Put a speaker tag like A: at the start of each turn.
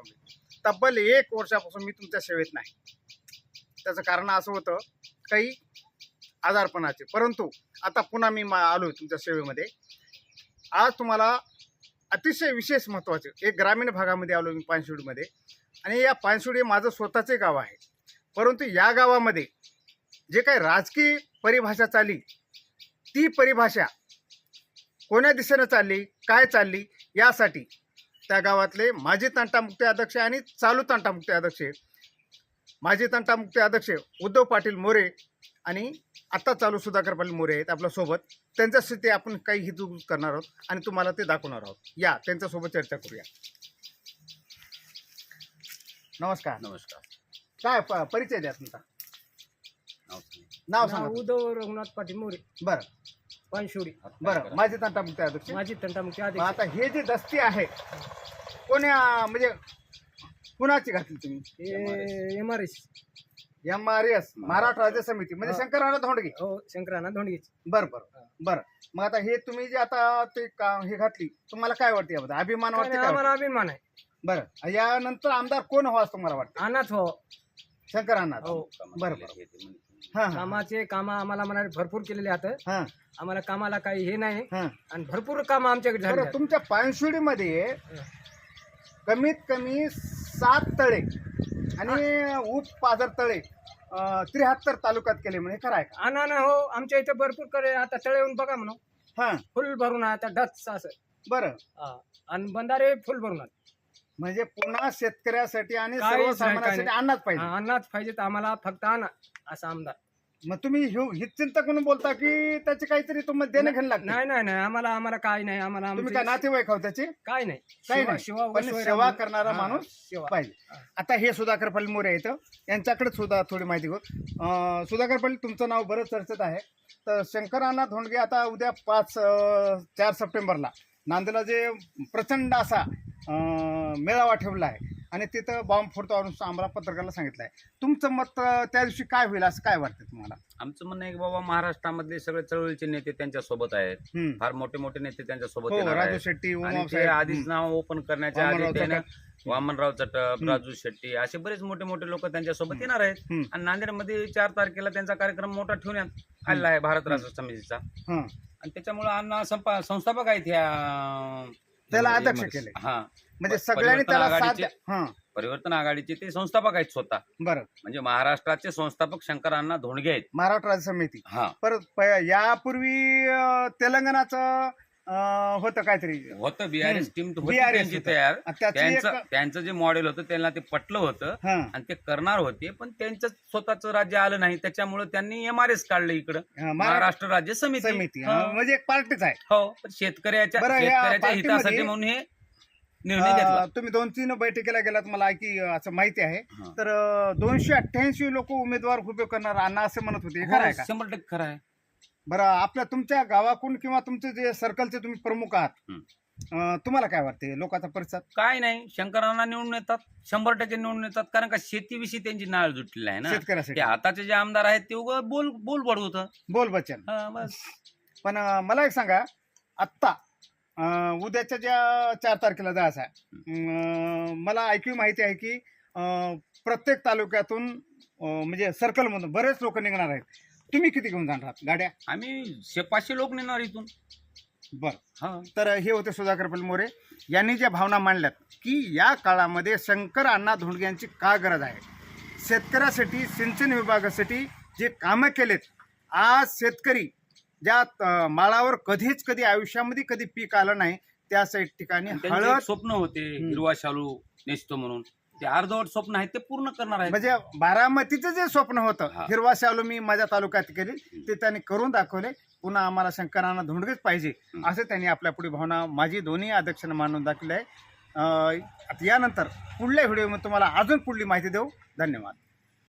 A: धोंडगे तब्बल 1 वर्षापासून मी तुमच्या सेवेत नाही. त्याचं कारण असं होतं काही आजारपणाचे, परंतु आता पुन्हा मी आलो तुमच्या सेवेमध्ये. आज तुम्हाला अतिशय विशेष महत्त्वाचे एक ग्रामीण भागामध्ये आलो मी, पानशिवडीमध्ये. आणि या पानशिवडी माझं स्वतःचे गाव आहे, परंतु या गावामध्ये जे काही राजकीय परिभाषा चालली ती परिभाषा कोण्या दिशेनं चालली, काय चालली, यासाठी त्या गावातले माजी तंटामुक्ती अध्यक्ष आणि चालू तंटामुक्ती अध्यक्ष, माजी तंटामुक्ती अध्यक्ष उद्धव पाटील मोरे आणि आत्ता चालू सुधाकर पाटील मोरे आहेत आपल्यासोबत. त्यांच्याशी ते आपण काही हितगुज करणार आहोत आणि तुम्हाला ते दाखवणार आहोत. या त्यांच्यासोबत चर्चा करूया. नमस्कार.
B: नमस्कार.
A: काय परिचय द्या तुमचा? नाव सांगा.
C: उद्धव रघुनाथ पाटील मोरे,
A: बरं
C: पानशिवडी.
A: बरं, माजी तंटामुक्ती अध्यक्ष.
C: माझी तंटामुक्ती
A: मग
C: अध्यक्ष.
A: आता हे जे दस्ती आहे कोण्या म्हणजे कुणाची घातली तुम्ही?
C: MRS
A: MRS महाराष्ट्र राज्य समिती म्हणजे शंकरराव धोंडगे.
C: हो, शंकराना धोंडगेची.
A: बरं बरं बरं. मग आता हे तुम्ही जे आता ते हे घातली, तुम्हाला काय वाटते याबद्दल? अभिमान वाटते काय?
C: आम्हाला अभिमान आहे.
A: बरं, यानंतर आमदार कोण हवा असं तुम्हाला वाटतं?
C: अनाथ हो.
A: शंकर अण्णा.
C: हो.
A: बरं बरं. हां
C: कामाचे काम आम्हाला म्हणाले भरपूर केलेले आहेत.
A: हां
C: आम्हाला कामाला काही हे नाही
A: हां.
C: आणि भरपूर काम आमच्याकडे झाले
A: बरं,
C: आहेत.
A: तुमच्या पानशिवडीमध्ये कमीत कमी 7 तळे आणि उपपाझर तळे 73 तालुक्यात केले म्हणजे खरं आहे का?
C: आणा हो, आमच्या इथे भरपूर करे. आता तळे येऊन बघा म्हणून,
A: हां
C: फुल भरून आहे आता डच असं.
A: बरं.
C: आणि बंधारे फुल भरून आहेत.
A: म्हणजे पुन्हा शेतकऱ्यासाठी आणि
C: काहीच नाही,
A: सर्वसामान्यांसाठी
C: काही
A: अन्नच पाहिजे.
C: अन्नाच पाहिजे तर आम्हाला फक्त आणा असा आमदार.
A: मग तुम्ही ही चिंता करून बोलता की त्याचे काहीतरी तुम्हाला देणं घेणं लागतं?
C: नाही नाही नाही, आम्हाला काय नाही. आम्हाला
A: तुम्ही काय नातेवाईक आहोत त्याचे?
C: काय नाही.
A: काही नाही.
C: शिवा
A: पण सेवा करणारा माणूस
C: सेवा.
A: पाहिजे. आता हे सुधाकर पाटील मोरे आहेत, यांच्याकडे सुद्धा थोडी माहिती घेऊ. सुधाकर पाटील, तुमचं नाव बरंच चर्चेत आहे. तर शंकरांना धोंडगे आता उद्या 4 सप्टेंबरला नांदेडला जे प्रचंड असा मेळावा ठेवला आहे आणि तिथं बॉम्ब फोडतो आम्हाला पत्रकाराला सांगितलं आहे. तुमचं मत त्या दिवशी काय होईल असं काय वाटतं तुम्हाला?
B: आमचं म्हणणं आहे की बाबा महाराष्ट्रामधले सगळे चळवळीचे नेते त्यांच्या सोबत आहेत.
A: हम्म.
B: फार मोठे मोठे नेते त्यांच्या सोबत
A: हो,
B: येणार
A: राजू
B: आहेत.
A: शेट्टी,
B: आणि
A: उमाव
B: ते
A: साहेब,
B: आधीच नाव ओपन करण्याच्या
A: वामनराव
B: आधी त्याने
A: चटप.
B: वामनराव चटप, राजू शेट्टी असे बरेच मोठे मोठे लोक त्यांच्या सोबत येणार आहेत. आणि नांदेडमध्ये 4 तारखेला त्यांचा कार्यक्रम मोठा ठेवण्यात आलेला आहे भारत राष्ट्र समितीचा.
A: हं.
B: आणि त्याच्यामुळे अण्णा संस्थापक आहेत ह्या
A: त्याला अध्यक्ष केले.
B: हा,
A: म्हणजे सगळ्यांनी त्याला साथ द्या. हं.
B: परिवर्तन आघाडीचे ते संस्थापक आहेत स्वतः.
A: बरं.
B: म्हणजे महाराष्ट्राचे संस्थापक शंकर अण्णा धोंडगे आहेत.
A: महाराष्ट्र राज्य समिती.
B: हा,
A: परत यापूर्वी तेलंगणाचं होतं काहीतरी,
B: होतं BRS टीम होती
A: BRS
B: त्यांची
A: होतं.
B: तयार.
A: त्याची
B: त्यांचं जे मॉडेल होतं त्यांना ते पटलं होतं
A: हं.
B: आणि ते करणार होते, पण त्यांचं स्वतःचं राज्य आलं नाही, त्याच्यामुळे त्यांनी MRS काढलं इकडं, महाराष्ट्र राज्य समिती.
A: समिती म्हणजे एक पार्टीच आहे.
B: हो, पण शेतकऱ्याच्या
A: बरं, या
B: शेतकऱ्याच्या
A: पार्टीमध्ये
B: हितासाठी म्हणून हे निर्णय घेतला.
A: तुम्ही 2-3 बैठकीला गेलात मला की असं माहिती आहे.
B: हा.
A: तर 288 लोक उमेदवार उभे करणार अण्णा असं म्हणत होते, हे खरं आहे का?
B: 100% खरं आहे.
A: बरं, तुमच्या गावाकडून किंवा तुमचे जे सर्कलचे तुम्ही प्रमुख आहात, तुम्हाला काय वाटते लोकांचा प्रतिसाद?
B: काय नाही, शंकरांना निवडून येतात, 100% निवडून येतात. कारण का शेतीविषयी त्यांची नाळ जुटलेली आहे ना.
A: शेतकऱ्यासाठी
B: ते आताचे जे आमदार आहेत ते उगं बोल बडवतं.
A: बोल बच्चन.
B: बस.
A: पण मला एक सांगा, आत्ता उद्याच्या ज्या 4 तारखेला जायचं आहे, मला ऐकू माहिती आहे की प्रत्येक तालुक्यातून म्हणजे सर्कलमधून बरेच लोक निघणार आहेत. तुम्ही किती घेऊन जाणार आहात गाड्या?
B: आम्ही 500 लोक नेणार इथून.
A: बरं.
B: हा,
A: तर हे होते सुधाकर पाटील मोरे यांनी ज्या भावना मांडल्यात की या काळामध्ये शंकर अण्णा धोंडगे यांची का गरज आहे. शेतकऱ्यासाठी सिंचन विभागासाठी जे कामं केलेत, आज शेतकरी ज्या माळावर कधी आयुष्यामध्ये कधी पीक आलं नाही त्या ठिकाणी
B: त्यांचे
A: हळद
B: एक स्वप्न होते हिरवा शालू नेसतो म्हणून, ते अर्धवट स्वप्न आहे ते पूर्ण करणार आहे.
A: म्हणजे बारामतीचं जे स्वप्न होतं
B: हा.
A: हिरवा शालू मी माझ्या तालुक्यात केली ते त्यांनी करून दाखवले. पुन्हा आम्हाला शंकरांना धोंडगेच पाहिजे असं त्यांनी आपल्या पुढे भावना माझी दोन्ही अध्यक्षांना मांडून दाखवली आहे. यानंतर पुढल्या व्हिडिओमध्ये तुम्हाला अजून पुढली माहिती देऊ. धन्यवाद.